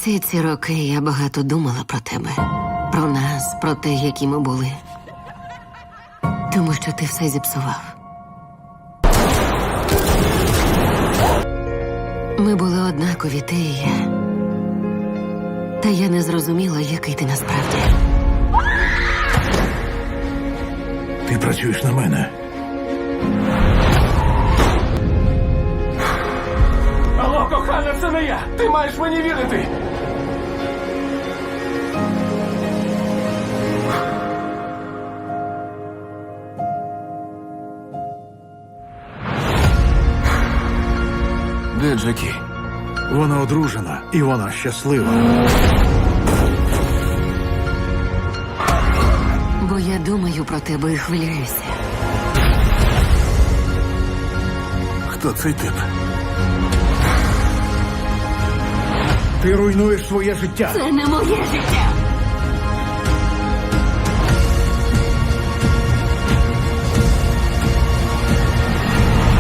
Всі ці роки я багато думала про тебе. Про нас, про те, які ми були. Тому що ти все зіпсував. Ми були однакові, ти і я. Та я не зрозуміла, який ти насправді. Ти працюєш на мене. Алло, кохана, це не я! Ти маєш мені вірити! Де Джекі? Вона одружена, і вона щаслива. Бо я думаю про тебе і хвилююся. Хто цей тип? Ти руйнуєш своє життя. Це не моє життя!